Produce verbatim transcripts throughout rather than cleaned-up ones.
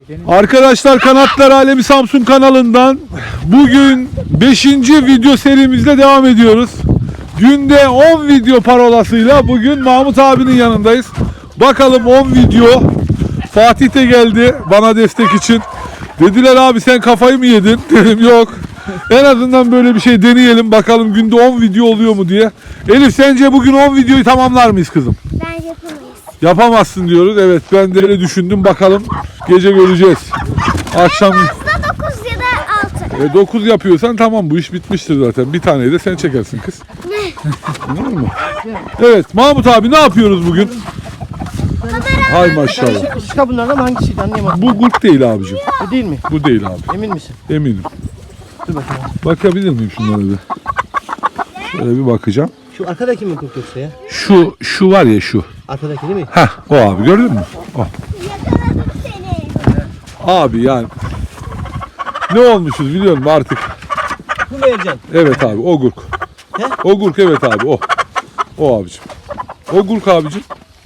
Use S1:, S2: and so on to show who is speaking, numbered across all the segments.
S1: Arkadaşlar Kanatlar Alemi Samsun kanalından bugün beşinci video serimizle devam ediyoruz. Günde on video parolasıyla bugün Mahmut abinin yanındayız. Bakalım on video. Fatih de geldi bana destek için. Dediler abi sen kafayı mı yedin? Dedim yok. En azından böyle bir şey deneyelim bakalım günde on video oluyor mu diye. Elif sence bugün on videoyu tamamlar mıyız kızım?
S2: Ben yapamayız.
S1: Yapamazsın diyoruz. Evet ben de öyle düşündüm. Bakalım gece göreceğiz. Akşam
S2: Aslında dokuz ya da altı.
S1: e, dokuz yapıyorsan tamam bu iş bitmiştir zaten. Bir taneyi de sen çekersin kız.
S2: Ne?
S1: Tamam mı? Evet Mahmut abi ne yapıyoruz bugün? Hay maşallah.
S3: Şika bunlardan hangisiydi anlayamadım.
S1: Bu gurk değil abicim.
S3: Bu değil mi?
S1: Bu değil abi.
S3: Emin misin?
S1: Eminim.
S3: Dur bakalım.
S1: Bakabilir miyim şunlara bir? Şöyle bir bakacağım.
S3: Şu arkadaki mi kurt yoksa ya?
S1: Şu şu var ya şu.
S3: Arkadaki değil mi?
S1: Heh o abi gördün mü? O.
S2: Yakaladım seni.
S1: Abi yani ne olmuşuz biliyor musun artık?
S3: Bu mu Ercan?
S1: Evet abi o gurk.
S3: He?
S1: O gurk evet abi o. O abicim. O gurk abicim.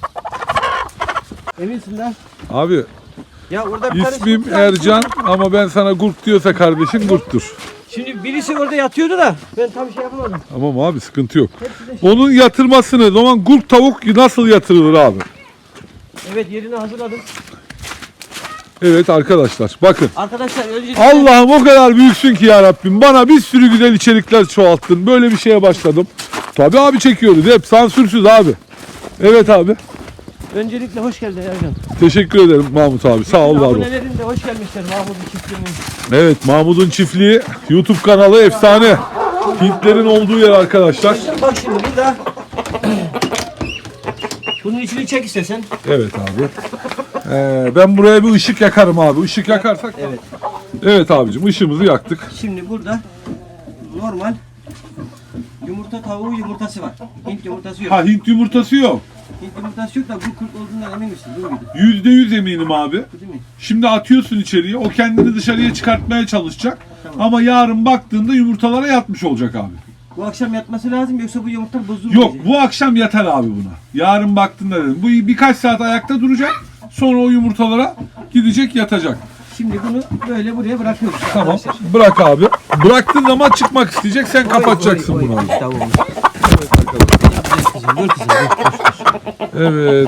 S3: Eminsin lan.
S1: Abi
S3: Ya orada bir tane
S1: ismim
S3: kurt-
S1: Ercan ama ben sana gurk diyorsa kardeşim gurktur.
S3: Şimdi birisi orada yatıyordu da ben tam şey yapamadım.
S1: Tamam abi sıkıntı yok.
S3: Hepsi de şey.
S1: Onun yatırmasını, o zaman gurk tavuk nasıl yatırılır abi?
S3: Evet yerini hazırladım.
S1: Evet arkadaşlar bakın.
S3: Arkadaşlar önce
S1: Allah'ım o kadar büyüksün ki ya Rabbim. Bana bir sürü güzel içerikler çoğalttın. Böyle bir şeye başladım. Tabii abi çekiyoruz. Hep sansürsüz abi. Evet abi.
S3: öncelikle hoş geldin Ercan.
S1: Teşekkür ederim Mahmut abi. Sağ ol var ol.
S3: Abonelerin de hoş gelmişler Mahmut'un çiftliğinin.
S1: Evet Mahmut'un çiftliği YouTube kanalı efsane. Hintlerin olduğu yer arkadaşlar.
S3: Bak şimdi burada bunun içini çek istesen.
S1: Evet abi. Ee, ben buraya bir ışık yakarım abi. Işık yakarsak.
S3: Evet.
S1: Evet abicim ışığımızı yaktık.
S3: Şimdi burada normal yumurta tavuğu yumurtası var. Hint yumurtası yok.
S1: Ha Hint yumurtası yok.
S3: Hint yumurtası yok da bu kurt olduğundan emin misin? Bu muydu?
S1: Yüzde yüz eminim abi.
S3: Bu değil mi?
S1: Şimdi atıyorsun içeriye. O kendini dışarıya çıkartmaya çalışacak. Ama yarın baktığında yumurtalara yatmış olacak abi.
S3: Bu akşam yatması lazım yoksa bu yumurta bozulur mu?
S1: Yok bu akşam yatar abi buna. Yarın baktığında dedim. Bu birkaç saat ayakta duracak. Sonra o yumurtalara gidecek yatacak.
S3: Şimdi bunu böyle buraya bırakıyoruz.
S1: Tamam.
S3: arkadaşlar.
S1: Bırak abi. Bıraktığın zaman çıkmak isteyecek. Sen kapatacaksın
S3: Oy, oy,
S1: bunu
S3: oy.
S1: abi.
S3: Tamam. Kızım, dur kızım, dur.
S1: Evet.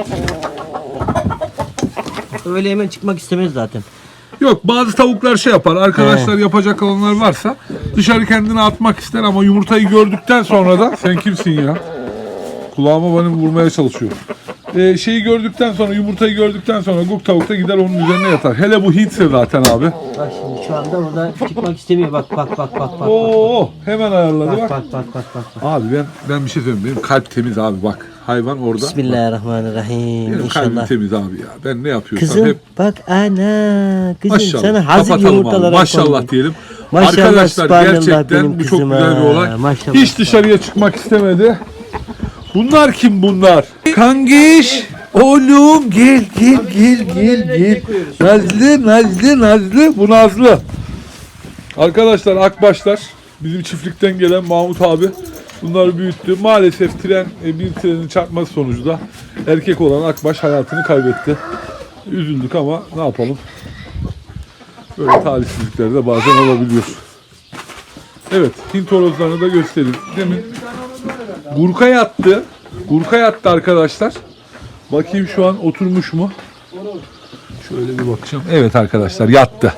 S3: Öyle hemen çıkmak istemez zaten.
S1: Yok bazı tavuklar şey yapar. Arkadaşlar yapacak olanlar varsa dışarı kendini atmak ister ama yumurtayı gördükten sonra da sen kimsin ya? Kulağıma benim vurmaya çalışıyor. Ee, şeyi gördükten sonra yumurtayı gördükten sonra guk tavuk da gider onun üzerine yatar. Hele bu Hintse zaten abi.
S3: Bak şimdi şu anda burada çıkmak istemiyor. Bak bak bak bak bak.
S1: Oo hemen ayarladı
S3: Bak
S1: bak.
S3: bak bak bak bak. bak.
S1: Abi ben ben bir şey söyleyeyim. Benim kalp temiz abi bak. Hayvan orada.
S3: Bismillahirrahmanirrahim.
S1: Benim kalbim
S3: İnşallah.
S1: temiz abi ya. Ben ne yapıyorsam
S3: Kızım
S1: hep
S3: bak ana kızım
S1: maşallah.
S3: sana hazır
S1: Kapatalım abi.
S3: yumurtalara
S1: Maşallah
S3: koydum.
S1: diyelim.
S3: Maşallah,
S1: Arkadaşlar
S3: subhanallah
S1: gerçekten
S3: benim
S1: bu çok
S3: kızıma.
S1: güzel bir olay.
S3: Maşallah.
S1: Hiç dışarıya çıkmak istemedi. Bunlar kim bunlar? Kangiş. Oğlum gel gel gel gel gel. Nazlı Nazlı Nazlı. Bu Nazlı. Arkadaşlar akbaşlar. Bizim çiftlikten gelen Mahmut abi bunları büyüttü. Maalesef tren e, bir trenin çarpması sonucu da erkek olan akbaş hayatını kaybetti. Üzüldük ama ne yapalım? Böyle talihsizlikler de bazen olabiliyor. Evet, Hint horozlarını da göstereyim. Demin Gurka yattı. Gurka yattı arkadaşlar. Bakayım şu an oturmuş mu? Şöyle bir bakacağım. Evet arkadaşlar yattı.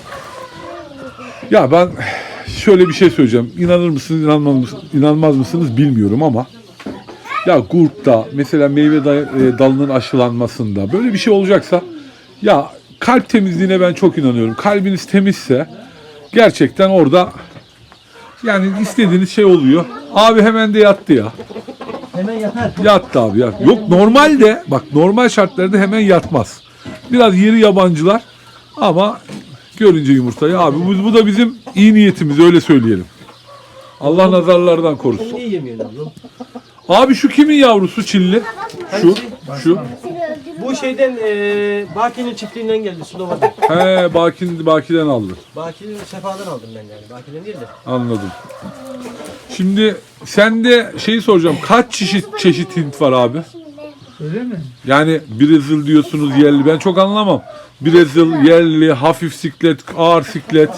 S1: Ya ben şöyle bir şey söyleyeceğim. İnanır mısınız, inanmaz mısınız, inanmaz mısınız bilmiyorum ama ya gurkta mesela meyve dalının aşılanmasında böyle bir şey olacaksa ya kalp temizliğine ben çok inanıyorum. Kalbiniz temizse gerçekten orada yani istediğiniz şey oluyor. Abi hemen de yattı ya.
S3: Hemen yatar.
S1: Yattı abi yat. Yok normalde bak normal şartlarda hemen yatmaz. Biraz yeri yabancılar ama görünce yumurtayı abi bu, bu da bizim iyi niyetimiz öyle söyleyelim. Allah nazarlardan korusun.
S3: Niye yemiyorsun oğlum?
S1: Abi şu kimin yavrusu Çinli? Şu, şu.
S3: Bu şeyden eee Baki'nin çiftliğinden geldi Slova'dan.
S1: He Baki'nin Baki'den aldı.
S3: Baki'nin Sefa'dan aldım ben yani. Baki'den değil de.
S1: Anladım. Şimdi sen de şeyi soracağım. Kaç çeşit çeşit Hint var abi?
S4: Öyle mi?
S1: Yani Brezil diyorsunuz yerli. Ben çok anlamam. Brezil yerli, hafif siklet, ağır siklet.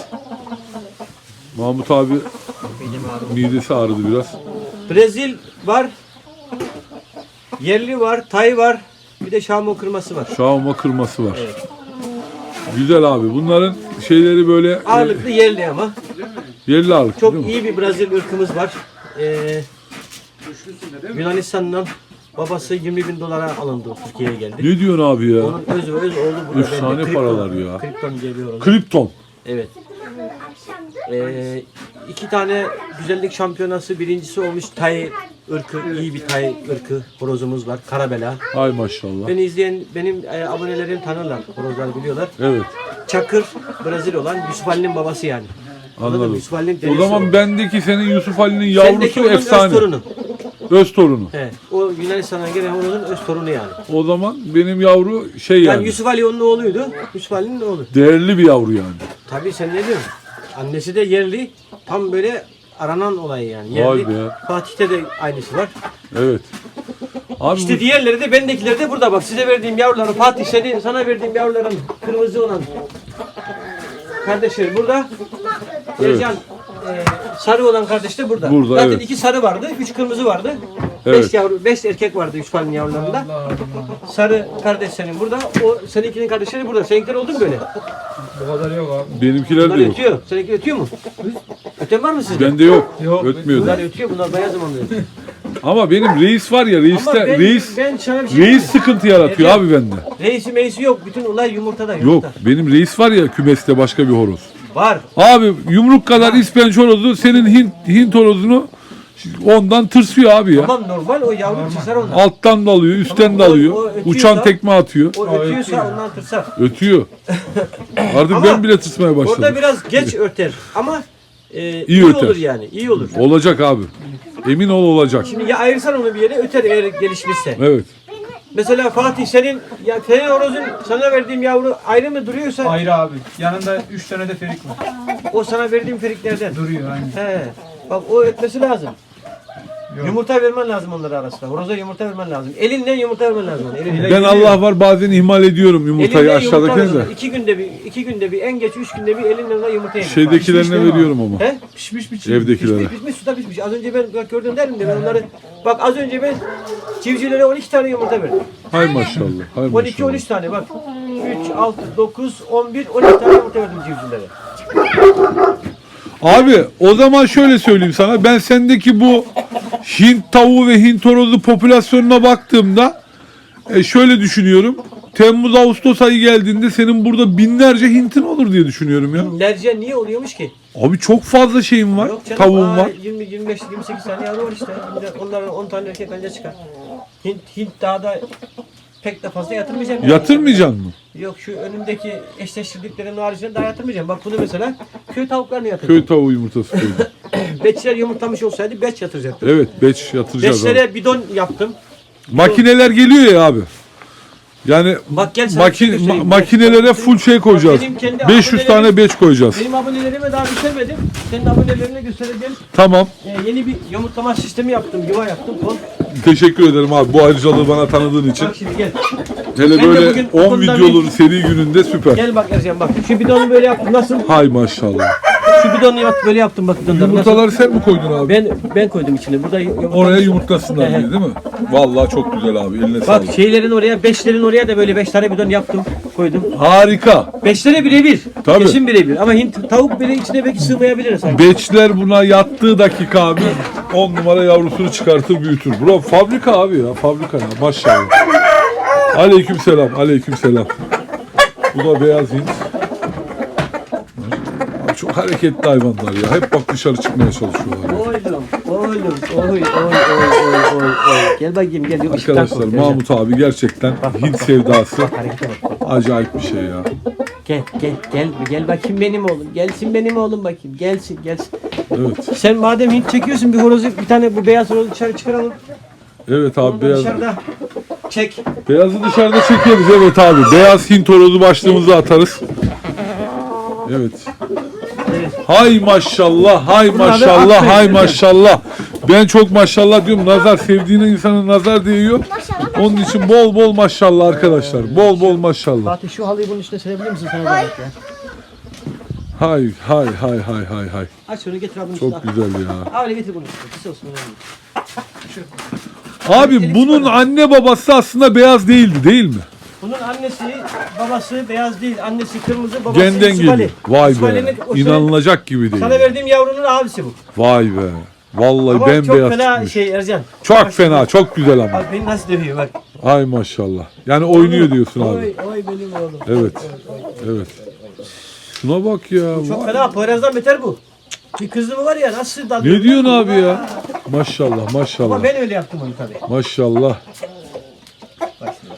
S1: Mahmut abi midesi ağrıdı biraz.
S3: Brezil var. Yerli var. Tay var. Bir de Şamo kırması var.
S1: Şahuma kırması var.
S3: Evet.
S1: Güzel abi. Bunların şeyleri böyle
S3: Ağırlıklı yerli ama.
S1: e, yerli ağırlık
S3: Çok
S1: değil mi?
S3: iyi bir Brezil ırkımız var. Ee, Yunanistan'dan babası yirmi bin dolara alındı. Türkiye'ye geldi.
S1: Ne diyorsun abi ya?
S3: Onun öz öz oğlu burada.
S1: Efsane
S3: Kripton-
S1: paralar ya.
S3: Kripton geliyor ona.
S1: Kripton.
S3: Evet. Ee, iki tane güzellik şampiyonası birincisi olmuş Tay ırkı, iyi bir Tay ırkı horozumuz var. Karabela.
S1: Ay maşallah.
S3: Beni izleyen benim e, abonelerim tanırlar. Horozlar biliyorlar.
S1: Evet.
S3: Çakır Brezil olan Yusuf Ali'nin babası yani. Anladın mı?
S1: Anladım.
S3: Yusuf Ali'nin
S1: O
S3: dedesi
S1: zaman
S3: o.
S1: bendeki senin Yusuf Ali'nin
S3: Sendeki
S1: yavrusu
S3: onun
S1: efsane.
S3: öz torunu.
S1: Öz torunu.
S3: He, o Yunanistan'dan gelen horozun öz torunu yani.
S1: O zaman benim yavru şey
S3: Yani,
S1: yani.
S3: Yusuf Ali onun oğluydu. Yusuf Ali'nin oğlu.
S1: Değerli bir yavru yani.
S3: Tabii sen ne diyorsun? Annesi de yerli. Tam böyle aranan olay yani.
S1: Vay
S3: Yerli.
S1: be.
S3: Fatih'te de aynısı var.
S1: Evet. Abi
S3: İşte
S1: bu-
S3: diğerleri de bendekileri de burada bak. Size verdiğim yavruların Fatih seni sana verdiğim yavruların kırmızı olan kardeşleri burada.
S1: Evet.
S3: Ercan e, sarı olan kardeş de burada.
S1: Burada,
S3: Zaten
S1: evet.
S3: iki sarı vardı, üç kırmızı vardı.
S1: Evet.
S3: Beş yavru, beş erkek vardı üç falin yavrularında. Sarı kardeş senin burada. O seninkinin kardeşleri burada. Seninkiler oldu mu böyle?
S4: Bu kadar yok abi.
S1: benimkiler
S3: Bunlar
S1: de yok.
S3: ötüyor. Seninki ötüyor mu? Öten var mı sizde?
S1: Bende yok.
S4: Yok.
S1: Ötmüyor.
S3: Bunlar ötüyor. Bunlar bayağı zamanlı ötüyor.
S1: Ama benim reis var ya
S3: Ama
S1: reiste
S3: ben,
S1: reis
S3: ben sana bir şey
S1: reis
S3: diyeyim.
S1: sıkıntı yaratıyor
S3: Evet.
S1: abi bende.
S3: Reisi meyisi yok. Bütün olay yumurtada.
S1: Yok
S3: Yumurta.
S1: benim reis var ya kümeste başka bir horoz.
S3: Var.
S1: Abi yumruk kadar ispenç horozu senin Hint, Hint horozunu ondan tırsıyor abi ya.
S3: Tamam normal o yavru çizer ondan.
S1: Alttan da alıyor, üstten
S3: Tamam,
S1: de
S3: o-
S1: alıyor.
S3: o ötüyor
S1: Uçan
S3: da-
S1: tekme atıyor.
S3: O ötüyorsa ondan tırsar.
S1: Ötüyor. Artık
S3: Ama
S1: ben bile tırsmaya başladım.
S3: Orada biraz geç örter ama e, iyi,
S1: İyi öter.
S3: olur yani. İyi olur.
S1: Olacak abi. Emin ol olacak.
S3: Şimdi ya ayırsan onu bir yere öter eğer gelişmişse.
S1: Evet.
S3: Mesela Fatih senin ya senin horozun sana verdiğim yavru ayrı mı duruyorsa
S4: Ayrı abi. Yanında üç tane de ferik var.
S3: o sana verdiğim feriklerden.
S4: Duruyor aynen.
S3: He. Bak o ötmesi lazım.
S4: Yok.
S3: Yumurta vermen lazım onlara arasında. Horoza yumurta vermen lazım. Elinle yumurta vermen lazım. ona, Elinle.
S1: Ben Allah var bazen ihmal ediyorum yumurtayı
S3: Elinle yumurta
S1: aşağıdakine
S3: ver ona.
S1: de.
S3: İki günde bir, iki günde bir, en geç üç günde bir elinle ona yumurta yedir.
S1: Şeydekilerine
S4: Pişmiş değil mi
S1: veriyorum ama.
S3: He?
S4: Pişmiş pişmiş.
S1: Evdekilere.
S3: Pişmiş pişmiş suda pişmiş. Az önce ben bak gördüm derim de ben onları bak az önce ben civcivlere on iki tane yumurta verdim.
S1: Hay maşallah. Hay
S3: on iki on
S1: maşallah.
S3: üç tane bak. üç, altı, dokuz, on bir, on iki tane yumurta verdim civcivlere.
S1: Abi o zaman şöyle söyleyeyim sana. Ben sendeki bu Hint tavuğu ve Hint horozu popülasyonuna baktığımda e, şöyle düşünüyorum. Temmuz Ağustos ayı geldiğinde senin burada binlerce Hint'in olur diye düşünüyorum ya.
S3: Binlerce niye oluyormuş ki?
S1: Abi çok fazla şeyim var.
S3: Yok canım.
S1: Tavuğum
S3: aa,
S1: var.
S3: yirmi, yirmi beş, yirmi sekiz tane yavru var işte. Onların on tane erkek anca çıkar. Hint, Hint daha da pek de fazla yatırmayacağım.
S1: Yatırmayacaksın mı?
S3: Yok şu önümdeki eşleştirdiklerin haricinde daha yatırmayacağım. Bak bunu mesela köy tavuklarını
S1: Köy
S3: yatıracağım.
S1: tavuğu yumurtası koydum.
S3: Beçler yumurtlamış olsaydı beç yatıracaktım.
S1: Evet beç yatıracağız abi.
S3: Beçlere bidon yaptım.
S1: Makineler geliyor ya abi. Yani
S3: Bak gel sana
S1: maki-
S3: bir şey göstereyim.
S1: ma- makinelere full şey koyacağız.
S3: Benim kendi
S1: beş yüz tane
S3: abonelerim-
S1: beç koyacağız.
S3: Benim abonelerime daha bitirmedim. Senin abonelerine göstereceğim.
S1: Tamam.
S3: Ee, yeni bir yumurtlama sistemi yaptım. Yuva yaptım. Kon.
S1: Teşekkür ederim abi bu ayrıcalığı bana tanıdığın için.
S3: Bak şimdi gel.
S1: Hele
S3: Ben de
S1: böyle
S3: bugün
S1: on
S3: okuldan
S1: videolu seri gününde süper.
S3: Gel bak Ercan bak. Şu bidonu böyle yaptım. Nasıl?
S1: Hay maşallah.
S3: Şu bidonu yap, böyle yaptım bak bidonları. Nasıl?
S1: Yumurtaları sen mi koydun abi?
S3: Ben ben koydum içine. Burada yumurta.
S1: Oraya yumurtlasınlar
S3: He he.
S1: diye değil mi? Vallahi çok güzel abi. Eline
S3: Bak
S1: sağlık.
S3: şeylerin oraya, beşlerin oraya da böyle beş tane bidon yaptım. Koydum.
S1: Harika.
S3: Beşlere birebir.
S1: Tabii.
S3: Kesin birebir. Ama Hint tavuk bile içine belki sığmayabilir sanki.
S1: Beçler buna yattığı dakika abi on numara yavrusunu çıkartır büyütür. Bro fabrika abi ya fabrika ya maşallah. Aleyküm selam aleyküm selam. Bu da beyaz Hint. Abi çok hareketli hayvanlar ya. Hep bak dışarı çıkmaya çalışıyorlar. ya.
S3: Oğlum, oğlum, oy, oy, oy, oy, oy, oy. Gel bakayım gel. Yok, ışıktan
S1: Arkadaşlar
S3: kork,
S1: Mahmut abi gerçekten Hint sevdası
S3: Harekete bak.
S1: acayip bir şey ya.
S3: Gel, gel, gel, gel bakayım benim oğlum. Gelsin benim oğlum bakayım. Gelsin, gelsin.
S1: Evet.
S3: Sen madem Hint çekiyorsun bir horozu, bir tane bu beyaz horozu dışarı çıkaralım.
S1: Evet abi
S3: Onu da
S1: beyaz.
S3: dışarıda çek.
S1: Beyazı dışarıda çekeriz evet abi. Beyaz Hint horozu başlığımızı atarız. Evet. Hay maşallah, hay
S3: Bunlar da
S1: maşallah,
S3: atmayın,
S1: hay
S3: değil mi?
S1: maşallah. Ben çok maşallah diyorum. Nazar sevdiğine insanın nazar değiyor.
S2: Maşallah.
S1: Onun için bol bol maşallah arkadaşlar. Bol bol maşallah.
S3: Fatih şu halıyı bunun üstüne serebilir misin sana zahmet ya?
S1: Hay hay hay hay hay hay.
S3: Aç şunu getir abi bunun üstüne.
S1: Çok güzel ya.
S3: Abi öyle getir bunun üstüne. Kısa olsun önemli.
S1: Abi bunun anne babası aslında beyaz değildi değil mi?
S3: Bunun annesi, babası beyaz değil. Annesi kırmızı, babası
S1: Genden
S3: İsmaili.
S1: geliyor. Vay be.
S3: İsmaili'nin o senin-
S1: İnanılacak gibi değil.
S3: Sana verdiğim yavrunun abisi bu.
S1: Vay be. Vallahi
S3: Ama
S1: bembeyaz
S3: çok fena
S1: çıkmış.
S3: şey Ercan.
S1: Çok fena, çok güzel ama.
S3: Bak beni nasıl dövüyor bak.
S1: Ay maşallah. Yani oynuyor diyorsun abi.
S3: Oy, oy benim oğlum.
S1: Evet. Evet. Şuna bak ya.
S3: Çok
S1: Vay.
S3: fena. Poyraz'dan beter bu. Bir kızı mı var ya nasıl dalıyor?
S1: Ne diyorsun abi ya? Maşallah maşallah.
S3: Ama ben öyle yaptım onu tabii.
S1: Maşallah.
S3: Bak şimdi.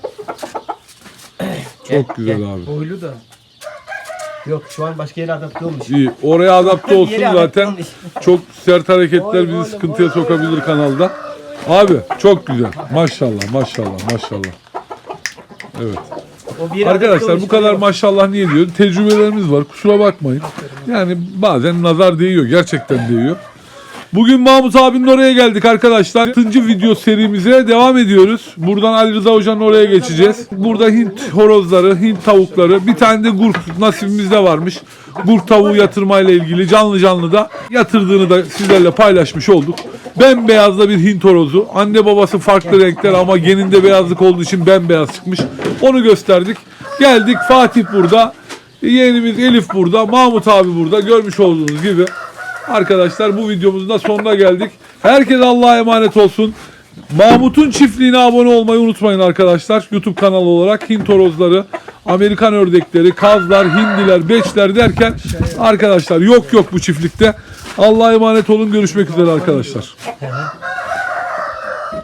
S1: Çok güzel abi.
S4: Boylu da.
S3: Yok şu an başka yere adapte olmuş.
S1: İyi. Oraya adapte olsun
S3: Yere adapte
S1: zaten.
S3: olmuş.
S1: Çok sert hareketler
S3: Oy,
S1: bizi
S3: oy,
S1: sıkıntıya
S3: oy,
S1: sokabilir kanalda. Abi çok güzel. Maşallah maşallah maşallah. Evet.
S3: O bir yere adapte
S1: Arkadaşlar
S3: olmuş.
S1: bu kadar maşallah niye diyorum? Tecrübelerimiz var. Kusura bakmayın. Yani bazen nazar değiyor. Gerçekten değiyor. Bugün Mahmut abinin oraya geldik arkadaşlar. altıncı video serimize devam ediyoruz. Buradan Ali Rıza Hoca'nın oraya geçeceğiz. Burada Hint horozları, Hint tavukları, bir tane de gurk nasibimizde varmış. Gurk tavuğu yatırmayla ilgili canlı canlı da yatırdığını da sizlerle paylaşmış olduk. Bembeyazda bir Hint horozu. Anne babası farklı renkler ama geninde beyazlık olduğu için bembeyaz çıkmış. Onu gösterdik. Geldik, Fatih burada. Yeğenimiz Elif burada. Mahmut abi burada. Görmüş olduğunuz gibi. Arkadaşlar bu videomuzun da sonuna geldik. Herkes Allah'a emanet olsun. Mahmut'un çiftliğine abone olmayı unutmayın arkadaşlar. YouTube kanalı olarak Hint horozları, Amerikan ördekleri, kazlar, hindiler, beçler derken arkadaşlar yok yok bu çiftlikte. Allah'a emanet olun. Görüşmek üzere arkadaşlar.